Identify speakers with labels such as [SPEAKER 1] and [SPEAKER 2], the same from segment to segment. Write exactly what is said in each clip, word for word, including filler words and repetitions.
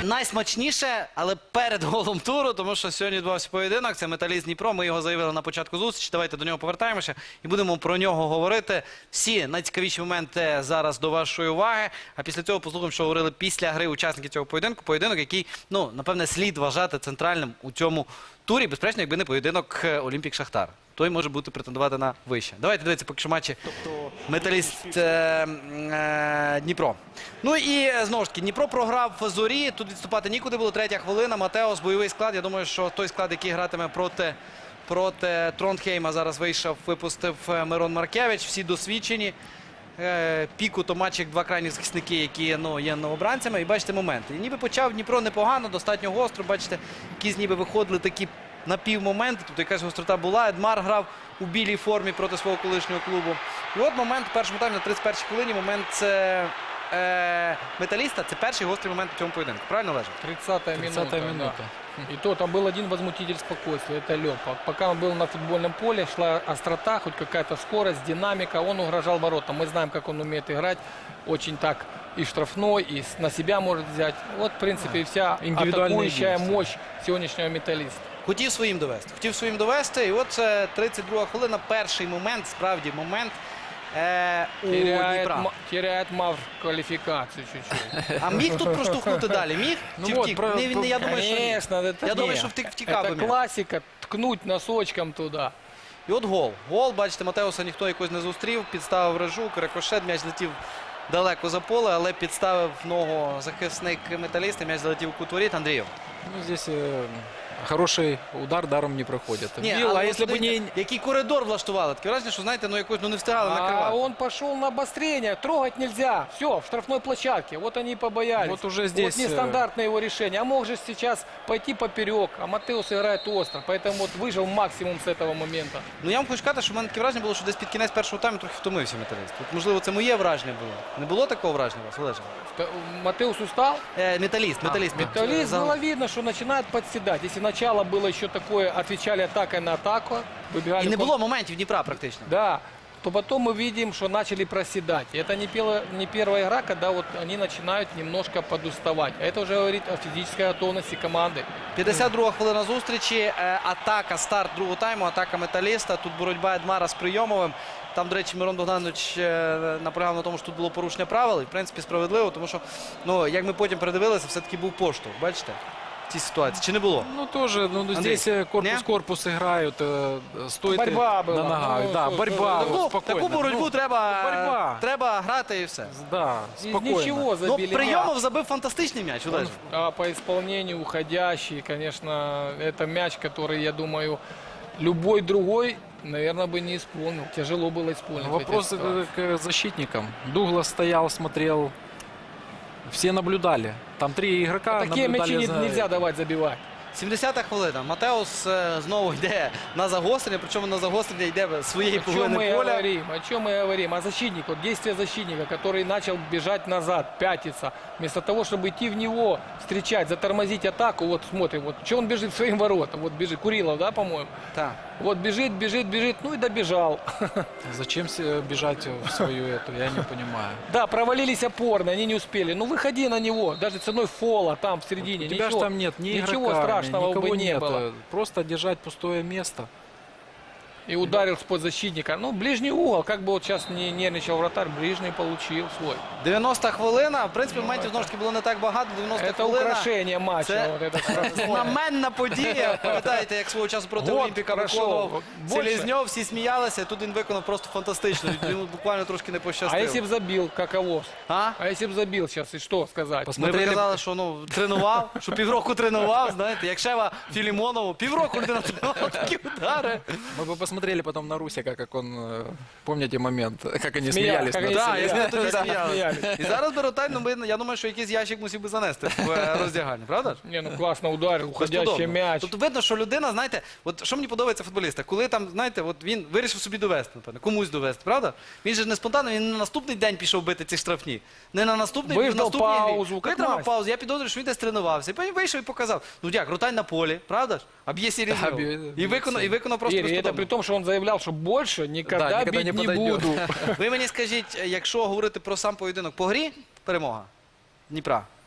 [SPEAKER 1] Найсмачніше, але перед голом туру, тому що сьогодні відбувався поєдинок, це Металіст Дніпро, ми його заявили на початку зустрічі, давайте до нього повертаємося і будемо про нього говорити. Всі найцікавіші моменти зараз до вашої уваги, а після цього послухаємо, що говорили після гри учасники цього поєдинку. Поєдинок, який, ну, напевне, слід вважати центральним у цьому турі, безперечно, якби не поєдинок Олімпік-Шахтар. Той може бути претендувати на вище. Давайте дивіться поки що матчі Металіст е, е, Дніпро. Ну і знову ж таки, Дніпро програв в Зорі, тут відступати нікуди було, третя хвилина, Матеос, бойовий склад. Я думаю, що той склад, який гратиме проти, проти Тронхейма, зараз вийшов, випустив Мирон Маркевич, всі досвідчені. Е, Піку, Томачик, два крайні захисники, які, ну, є новобранцями. І бачите моменти. І ніби почав Дніпро непогано, достатньо гостро, бачите, якісь ніби виходили такі напівмоменти, тут якась гострота була. Едмар грав у білій формі проти свого колишнього клубу. І от момент, в першому таймі, на тридцять першій хвилині, момент це, е, Металіста, це перший гострий момент у цьому поєдинку. Правильно, Олеже?
[SPEAKER 2] тридцатая минута.
[SPEAKER 3] минута.
[SPEAKER 2] Да. И то там был один возмутитель спокойствия, это Лёпа. Пока он был на футбольном поле, шла острота, хоть какая-то скорость, динамика, он угрожал воротам. Мы знаем, как он умеет играть, очень так и штрафной, и на себя может взять. Вот, в принципе, и вся атакующая мощь сегодняшнего Металлиста.
[SPEAKER 1] Хотів своїм довести. Хотів своїм довести. І от це тридцять друга хвилина, перший момент, справді момент е, у
[SPEAKER 2] Теряет,
[SPEAKER 1] Дніпра.
[SPEAKER 2] ма- теряет Мавр квалификацию чуть-чуть.
[SPEAKER 1] А міг тут проштовхнути далі? Міг?
[SPEAKER 3] Ну
[SPEAKER 1] Чи
[SPEAKER 3] вот,
[SPEAKER 1] втік?
[SPEAKER 3] про-
[SPEAKER 1] Не, він- я думаю, що ні.
[SPEAKER 2] Конечно, это
[SPEAKER 1] Я думаю,
[SPEAKER 2] нет.
[SPEAKER 1] що втік, втікав би
[SPEAKER 2] Это
[SPEAKER 1] м'яч.
[SPEAKER 2] классика, ткнуть носочком туда.
[SPEAKER 1] І от гол. Гол, бачите, Матеуса ніхто якось не зустрів, підставив Режук, рикошет, м'яч летів далеко за поле, але підставив ногу захисник Металіста, м'яч залетів у кут воріт. Андрію.
[SPEAKER 3] Ну, здесь э, хороший удар даром не проходит.
[SPEAKER 1] Ні,
[SPEAKER 3] Бил,
[SPEAKER 1] але
[SPEAKER 3] а
[SPEAKER 1] от
[SPEAKER 3] если бы
[SPEAKER 1] дивіться,
[SPEAKER 3] не...
[SPEAKER 1] який коридор влаштували. Таке враження, що, знаєте, ну якось ну, не встигали
[SPEAKER 2] А
[SPEAKER 1] накривати.
[SPEAKER 2] он пошел на обострение, трогать нельзя. Все, в штрафной площадке. Вот они и побоялись.
[SPEAKER 3] Вот уже здесь,
[SPEAKER 2] Вот нестандартное его решение. А мог же сейчас пойти поперек. А Матеус играет остро. Поэтому вот выжил максимум с этого момента.
[SPEAKER 1] Ну я вам хочу сказати, що в мене таке враження було, що десь під кінець першого тайму трохи втомився Металіст. От, можливо, це моє враження було. Не було такого враження у вас, Олеже?
[SPEAKER 2] Т- Матеус устал.
[SPEAKER 1] Е, металіст, металіст.
[SPEAKER 2] Металлист
[SPEAKER 1] За-
[SPEAKER 2] было видно, что начинает подседать. Если начало было еще такое, отвечали атакой на атаку, выбегали...
[SPEAKER 1] І не
[SPEAKER 2] кон-
[SPEAKER 1] було моментів Дніпра практично.
[SPEAKER 2] Да, то потом мы видим, что начали проседать. И это не, пела- не первая игра, когда вот они начинают немножко подуставать. А это уже говорит о физической готовности команды.
[SPEAKER 1] п'ятдесят друга хвилина зустрічі, е, атака, старт другого тайму, атака Металіста. Тут боротьба Едмара з Прийомовим. Там, до речі, Мирон Богданович е, наполягав на тому, що тут було порушення правил. І, в принципі, справедливо, тому що, ну, як ми потім передивилися, все-таки був поштовх. Бачите? В цій ситуації. Чи не було?
[SPEAKER 3] Ну, тоже, ну, ну,
[SPEAKER 1] Андрей,
[SPEAKER 3] здесь э,
[SPEAKER 1] не?
[SPEAKER 3] корпус-корпус играют, э, стоит
[SPEAKER 2] Борьба
[SPEAKER 3] э,
[SPEAKER 2] была.
[SPEAKER 3] на ногах.
[SPEAKER 2] Ну,
[SPEAKER 3] да,
[SPEAKER 2] что-
[SPEAKER 3] борьба,
[SPEAKER 2] что-
[SPEAKER 3] вот,
[SPEAKER 1] Таку,
[SPEAKER 3] спокойно.
[SPEAKER 1] таку боротьбу
[SPEAKER 3] Ну,
[SPEAKER 1] треба,
[SPEAKER 3] борьба.
[SPEAKER 1] треба грати і все.
[SPEAKER 3] Да,
[SPEAKER 2] Из
[SPEAKER 3] спокойно.
[SPEAKER 2] ничего
[SPEAKER 1] Ну,
[SPEAKER 2] забили.
[SPEAKER 1] Прийомов забив фантастичний м'яч, Олеже.
[SPEAKER 2] А по исполнению уходящий, конечно, это мяч, который, я думаю, любой другой, наверное, бы не исполнил. Тяжело было исполнить. в этой
[SPEAKER 3] Вопрос
[SPEAKER 2] ситуации.
[SPEAKER 3] э, к защитникам. Дуглас стоял, смотрел. Все наблюдали. Там три игрока
[SPEAKER 2] Такие мячи
[SPEAKER 3] наблюдали
[SPEAKER 2] не-
[SPEAKER 3] за...
[SPEAKER 2] нельзя давать забивать.
[SPEAKER 1] сімдесята хвилина. Матеус е, знову йде на загострення, причому на загострення йде своєї
[SPEAKER 2] О чем
[SPEAKER 1] половини
[SPEAKER 2] мы
[SPEAKER 1] поля.
[SPEAKER 2] говорим? О чем мы говорим? О защитнике. Вот действие защитника, который начал бежать назад, пятиться. Вместо того, чтобы идти в него, встречать, затормозить атаку. Вот смотрим, вот что он бежит в своим воротам. Вот бежит. Курилов, да, по-моему?
[SPEAKER 1] Так.
[SPEAKER 2] Вот бежит, бежит, бежит. Ну и добежал.
[SPEAKER 3] Зачем се- бежать в свою эту, я не понимаю.
[SPEAKER 2] Да, провалились опорно, они не успели. Ну выходи на него, даже ценой фола там в середине.
[SPEAKER 3] У тебя же
[SPEAKER 2] Ничего,
[SPEAKER 3] там нет ни
[SPEAKER 2] ничего
[SPEAKER 3] игрока,
[SPEAKER 2] страшного
[SPEAKER 3] никого
[SPEAKER 2] бы не
[SPEAKER 3] нет.
[SPEAKER 2] было.
[SPEAKER 3] Просто держать пустое место.
[SPEAKER 2] И ударил с-под защитника. Ну, ближний угол, как бы вот сейчас не нервничал вратарь, ближний получил свой.
[SPEAKER 1] дев'яноста хвилина. В принципі, моментів знову ж таки було не так багато. дев'яноста
[SPEAKER 2] Это
[SPEAKER 1] хвилина.
[SPEAKER 2] украшение матча.
[SPEAKER 1] Це
[SPEAKER 2] Вот это штрафное.
[SPEAKER 1] знаменна подія. Пам'ятаєте, як свого часу проти
[SPEAKER 2] Год
[SPEAKER 1] Олімпіка
[SPEAKER 2] пройшов.
[SPEAKER 1] виконував
[SPEAKER 2] Більше.
[SPEAKER 1] Селезньов, всі сміялися, і тут він виконав просто фантастично. Йому буквально трошки не
[SPEAKER 2] А если
[SPEAKER 1] пощастило.
[SPEAKER 2] бы забил, каково?
[SPEAKER 1] А?
[SPEAKER 2] А если бы забил сейчас, и что сказать?
[SPEAKER 1] Ми
[SPEAKER 3] Посмотрели,
[SPEAKER 1] б казали, що ну, тренував, що півроку тренував, знаєте, як Шева Філімонову. Півроку людина тренувала такі удари.
[SPEAKER 3] Мы бы посмотрели потом на Русика, как он, э, помните момент, как они
[SPEAKER 2] Смеялись,
[SPEAKER 3] смеялись.
[SPEAKER 2] как
[SPEAKER 3] над
[SPEAKER 2] они
[SPEAKER 1] Так,
[SPEAKER 3] этим?
[SPEAKER 1] я
[SPEAKER 2] сміялись.
[SPEAKER 1] тоді
[SPEAKER 2] Да,
[SPEAKER 1] сміялися.
[SPEAKER 2] сміялись.
[SPEAKER 1] І зараз Беротай, ну, ми- я думаю, що якийсь ящик мусив би занести в е, роздягальні, правда ж?
[SPEAKER 2] Не, ну классно ударил, уходящий
[SPEAKER 1] Безподобно.
[SPEAKER 2] мяч.
[SPEAKER 1] Тобто видно, що людина, знаєте, от що мені подобається футболіста, коли там, знаєте, от він вирішив собі довести, напевно, комусь довести, правда? Він же ж не спонтанно, він не на наступний день пішов бити ці штрафні. Не на наступний,
[SPEAKER 2] Виждав
[SPEAKER 1] в наступній грі.
[SPEAKER 2] паузу, як
[SPEAKER 1] Витримав
[SPEAKER 2] Настя.
[SPEAKER 1] паузу, я підозрюю, що він десь тренувався. І потім вийшов і показав. Ну як, Ротань на полі, правда ж? А б'є Селезньов.
[SPEAKER 3] Да, б'є-
[SPEAKER 1] І виконав, і виконав просто
[SPEAKER 2] Игорь, и это
[SPEAKER 1] безподобно.
[SPEAKER 2] при том, что он заявлял, что больше никогда,
[SPEAKER 3] Да, никогда
[SPEAKER 2] бить
[SPEAKER 3] не
[SPEAKER 2] не,
[SPEAKER 3] подойдет.
[SPEAKER 2] буду.
[SPEAKER 1] Ви мені скажіть, якщо говорити про сам поєдинок по грі, перемога Дніпра.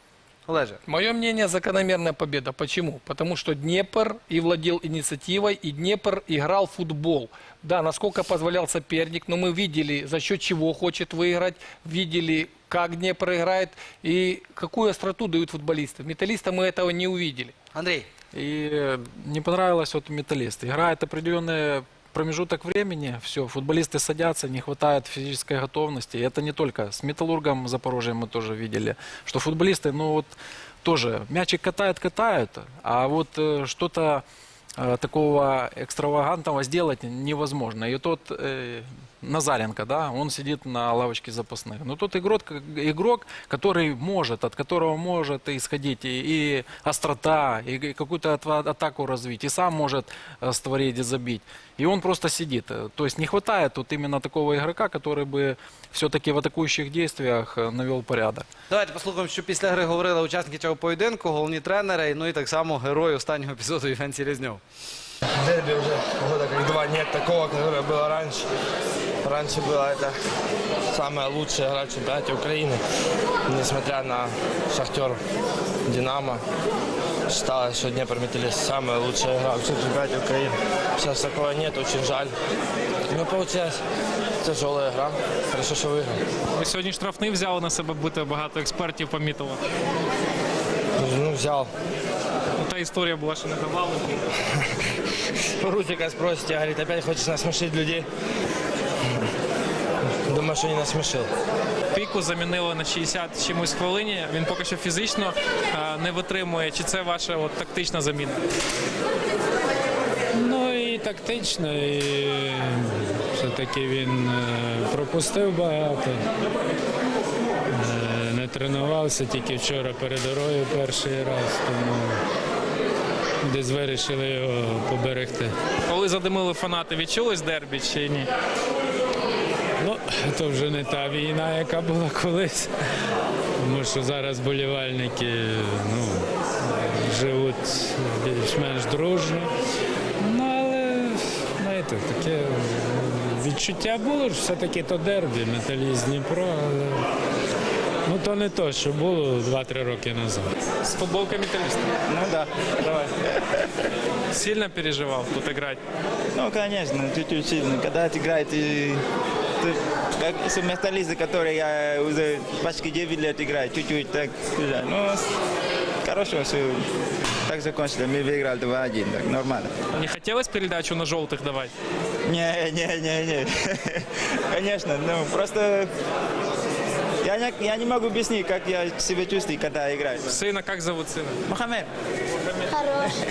[SPEAKER 1] Олеже.
[SPEAKER 2] Мое мнение, закономерная победа. Почему? Потому что Днепр и владел инициативой, и Днепр играл в футбол. Да, насколько позволял соперник, но мы видели, за счет чего хочет выиграть, видели, как Днепр играет и какую остроту дают футболисты. Металлиста мы этого не увидели.
[SPEAKER 1] Андрій.
[SPEAKER 3] И не понравилось вот металлист. Играет определенный промежуток времени, все, футболисты садятся, не хватает физической готовности. И это не только с Металлургом Запорожьем мы тоже видели, что футболисты, ну вот тоже мячик катают, катают, а вот э, что-то э, такого экстравагантного сделать невозможно. И тот э, Назаренко, да, он сидит на лавочке запасных. Но тот игрок, игрок, который может, от которого может исходить и, и острота, и, и какую-то ат- атаку развить, и сам может э, створить и забить. И он просто сидит. То есть не хватает тут именно такого игрока, который бы все-таки в атакующих действиях э, навел порядок.
[SPEAKER 1] Давайте послухаємо, що після гри говорили учасники цього поєдинку, головні тренери, ну і так само герой останнього епізоду Євген Селезньов.
[SPEAKER 4] Дерби уже года как два нет такого, которое было раньше. Раньше было это самая лучшая игра в чемпионате Украины. Несмотря на Шахтер, Динамо, считалось, что Днепр-Металлист самая лучшая игра в чемпионате Украины. Сейчас такого нет, очень жаль. Ну, получилось тяжелая игра. Хорошо, что выиграл.
[SPEAKER 5] Ви сьогодні штрафний взяли на себе, бути багато експертів помітило.
[SPEAKER 4] Ну, взял.
[SPEAKER 5] Ну, та історія була, що не давали.
[SPEAKER 4] Русика спросите, говорит, опять хочешь насмешить людей? Думаю, что не насмешил.
[SPEAKER 5] Піку замінили на шістдесят чимось хвилині. Він поки що фізично е, не витримує. Чи це ваша от, тактична заміна?
[SPEAKER 6] Ну і тактично, і все-таки він е, пропустив багато. Е, Не тренувався тільки вчора перед дорогою перший раз, тому десь вирішили його поберегти.
[SPEAKER 5] Коли задимили фанати, відчулось дербі чи ні?
[SPEAKER 6] Ну, то вже не та війна, яка була колись. Тому що зараз болівальники ну, живуть більш-менш дружно. Ну, але, знаєте, таке відчуття було, що все-таки то дербі, Металіст Дніпро, але ну, то не то, що було два-три роки назад.
[SPEAKER 5] З футболкою металіста.
[SPEAKER 7] Ну да, давай.
[SPEAKER 5] Сильно переживав тут грати?
[SPEAKER 7] Ну, конечно, чуть-чуть сильно. Когда играет, и ты, как с металлисты, которые я уже почти девять лет играю, чуть-чуть так, да. Ну, хорошо, все так закончили. Мы выиграли два-один, так нормально.
[SPEAKER 5] Не хотілося передачу на жовтих давати?
[SPEAKER 7] Не, не, не, не. Конечно, ну просто я не, я не могу объяснить, как я себя чувствую, когда играю.
[SPEAKER 5] Сина, як зовут сина?
[SPEAKER 7] Мохаммед.
[SPEAKER 8] Хороший.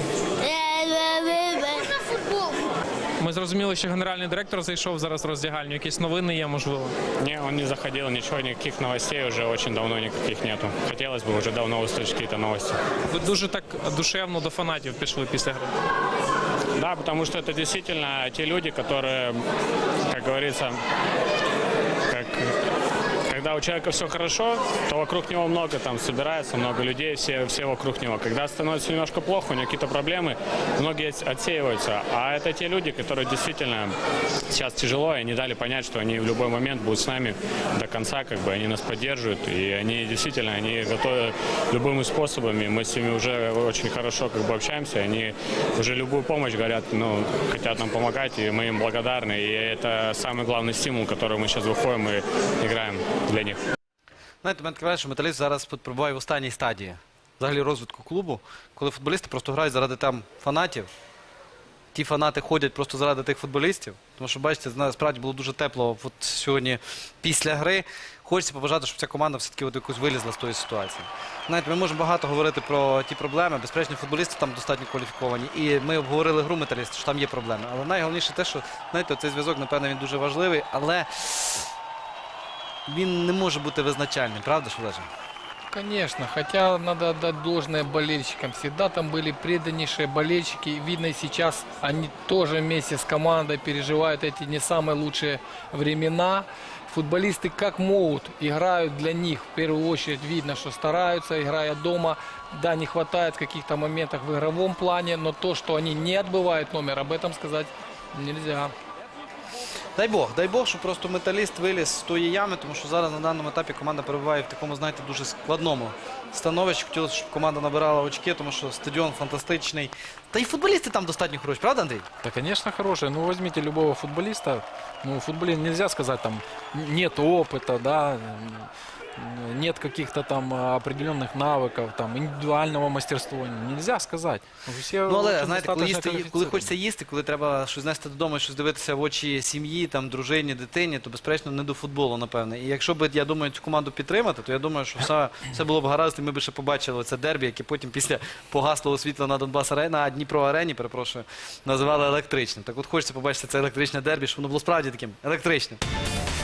[SPEAKER 8] Футбол.
[SPEAKER 5] Ми зрозуміли, що генеральний директор зайшов зараз в роздягальню. Якісь новини є, можливо?
[SPEAKER 9] Не, он не заходил, ничего, никаких новостей уже очень давно никаких нету. Хотелось бы уже давно услышать какие-то новости.
[SPEAKER 5] Ви дуже так душевно до фанатів пішли після гри.
[SPEAKER 9] Да, потому что это действительно те люди, которые, как говорится, как, когда у человека все хорошо, то вокруг него много там собирается, много людей, все, все вокруг него. Когда становится немножко плохо, у него какие-то проблемы, многие отсеиваются. А это те люди, которые действительно сейчас тяжело, и они дали понять, что они в любой момент будут с нами до конца, как бы они нас поддерживают, и они действительно, они готовы любыми способами, мы с ними уже очень хорошо как бы общаемся, они уже любую помощь говорят, ну, хотят нам помогать, и мы им благодарны, и это самый главный стимул, который мы сейчас выходим и играем для них.
[SPEAKER 1] Знаєте, мене таке враження, що металіст зараз перебуває в останній стадії взагалі розвитку клубу, коли футболісти просто грають заради там фанатів. Ті фанати ходять просто заради тих футболістів. Тому що, бачите, справді було дуже тепло от сьогодні після гри. Хочеться побажати, щоб ця команда все-таки от якось вилізла з тої ситуації. Знаєте, ми можемо багато говорити про ті проблеми. Безперечно, футболісти там достатньо кваліфіковані. І ми обговорили гру металіста, що там є проблеми. Але найголовніше те, що, знаєте, цей зв'язок, напевно, він дуже важливий, але він не може бути визначальним. Правда ж, Олеже?
[SPEAKER 2] Конечно, хотя надо отдать должное болельщикам. Всегда там были преданнейшие болельщики. И видно, и сейчас они тоже вместе с командой переживают эти не самые лучшие времена. Футболисты как могут играют для них. В первую очередь видно, что стараются, играя дома. Да, не хватает в каких-то моментах в игровом плане, но то, что они не отбывают номер, об этом сказать нельзя.
[SPEAKER 1] Дай Бог, дай Бог, щоб просто Металіст виліз з тої ями, тому що зараз на даному етапі команда перебуває в такому, знаєте, дуже складному становищі. Хотілося, щоб команда набирала очки, тому що стадіон фантастичний. Та й футболісти там достатньо хороші, правда, Андрій?
[SPEAKER 3] Да, конечно, хорошие. Ну, возьмите любого футболиста. Ну, в футболе нельзя сказать, там, нет опыта, да, м, нет каких-то там определенных навыков, там, индивидуального мастерства. Нельзя сказать. Все
[SPEAKER 1] Ну, але,
[SPEAKER 3] очень
[SPEAKER 1] знаєте, коли,
[SPEAKER 3] достаточно
[SPEAKER 1] їсти, коли
[SPEAKER 3] квалифицированы.
[SPEAKER 1] хочеться їсти, коли треба щось нести додому, щось дивитися в очі сім'ї, там, дружині, дитині, то, безперечно, не до футболу, напевне. І якщо б, я думаю, цю команду підтримати, то я думаю, що все, все було б гаразд, і ми б ще побачили це дербі, яке потім після погаслого світла на Донбас арені, на Дніпро арені, перепрошую, називали електричним. Так от хочеться побачити це електричне дербі, щоб воно було справді таким електричним.